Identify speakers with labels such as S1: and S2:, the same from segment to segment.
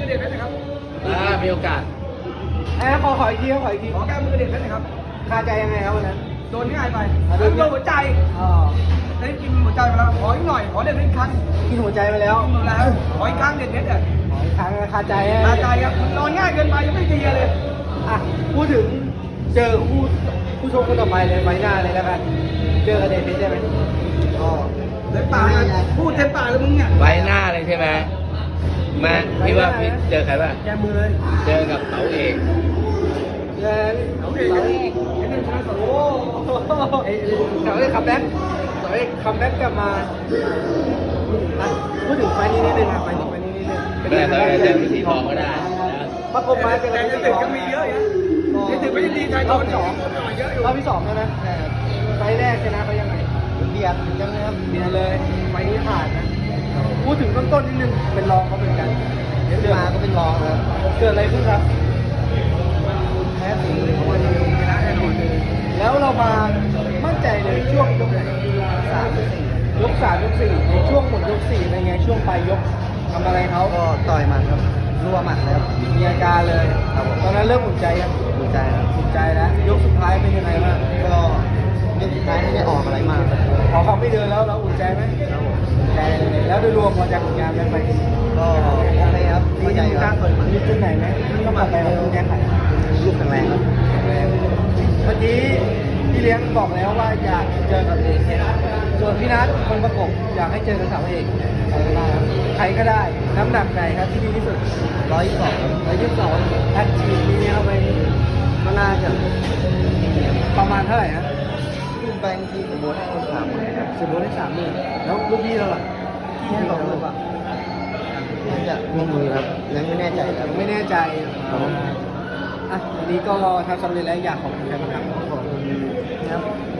S1: อเด็กเพชรนะครับ
S2: มีโอกาส
S3: ขออีกทีครับขออีกที
S1: ขอแก้มือเด็กเพชรนะครับ
S3: คาใจยังไงครับวันนั้น
S1: โดนง่ายไป
S3: โดน
S1: โดนหัวใจ
S3: อ๋อ
S1: ได้กินหัวใจมาแล้วขออีกหน่อยขอเด็กเพชรอีกครั้ง
S3: กินหัวใจไปแล้ว
S1: หมดแล้วขออีกครั้งเด็กเพชรอ่ะ
S3: ขออีกครั้งคาใจ
S1: ตาใจครับนอนง่ายเกินไปยังไม่เคลียร์เลย
S3: อ่ะพูดถึงเจอคู่ชกคนต่อไปเลยไฟหน้าเลยแล้วกันเจอกับเดชเพชรได้ไหมอ๋อ
S1: เต็มปากเลยพูดเต็มปากเลยมึงเนี่ย
S2: ไว้หน้าเลยใช่ไหมมาพี่ว่าพี่เจอใครบ้าง
S3: แกมือเลย
S2: เจอกับเต๋าเอก
S3: เจอ
S1: เอาเด็กเพชรไอ้นี่ชนะสอง
S3: โอ้ไอ้เสาเอกคัมแบ็กเสาเอกคัมแบ็กกลับมาอ่ะพูดถึงไฟล์นี้นิดนึงอ่ะไฟล์นี้นิดนึง
S2: ไม่ได้เราเจอสีทองก็ได้นะ
S3: ประกบมาเจอ
S1: แต่
S3: กับ
S1: ยังติดก็มีเยอะอยู่ยังติดไม่ได้ดีใจตอนสองเยอะอยู่
S3: รอบที่สองใช่ไหมไฟล์แรกชนะเขายังไงเบียดจังเลยครับเบียดเลยไฟล์นี้ผ่านนะพูดถึงต้นๆนิดนึงเป็นรองเขาเหมือนกันเดี๋ยวมาก็เป็นรองครับเกิดอะไรขึ้นครับแพ้สีวันนี้ชนะแน่นอนแล้วเรามามั่นใจเลยช่วงยกไหนยก 3 ยก 4ในช่วงหมดยก4เป็นไงช่วงปลายยกทำอะไรเขา
S4: ก็ต่อยหมัดครับรัวหมัดเลยครับ
S3: มีอาการเลยตอนนั้นเริ่มอุ่นใจยัง
S4: ดีใจครับ
S3: อุ่นใจแล้วยกสุดท้ายเป็นยังไงบ้าง
S4: ก็ยกสุดท้ายไม่ได้ออกอะไรมากครับ
S3: พอเขาไม่เดินแล้วเราอุ่นใจไหมอุ่นใจเลยแล้วโดยรวมพอใจผลงานเป็นไป
S4: ก็โอเคครับเข้าใจครับ
S3: มีจุดไหนไหมต้องปรับไปเราต้องแก้ไข
S4: ลูกแข็งแรงครับ
S3: เมื่อกี้พี่เลี้ยงบอกแล้วว่าอยากเจอกับเอกส่วนพี่นัทคนประกบอยากให้เจอกับสาวเอกใครก็ได้น้ำหนักไหนครับที่ดีที่สุด
S4: 122ครับ
S3: 122อัดฉีดนี้เข้าไป
S4: ก็น่าจะ
S3: ประมาณเท่าไหร่ฮะ
S4: ขึ้นไปบางทีสมมติให้คนถามครับ
S3: สมมติได้30,000แล้วลูกพี่เราล่ะพี่ให้20,000ป่ะ
S4: น่าจะมีมือครับยังไม่แน่ใจครับ
S3: ไม่แน่ใจอ่ะวันนี้ก็ทำสำเร็จแล้วอยากขอบคุณใครบ้างครับ
S4: ขอบคุณครับ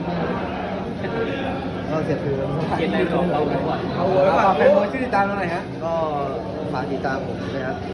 S4: ก็เสียคือ
S3: เขียนในของเราเอาไว้ฝากแฟนบอลช่วยติดตามเราหน่อยฮะ
S4: ก็ฝากติดตามผมด้วยครับ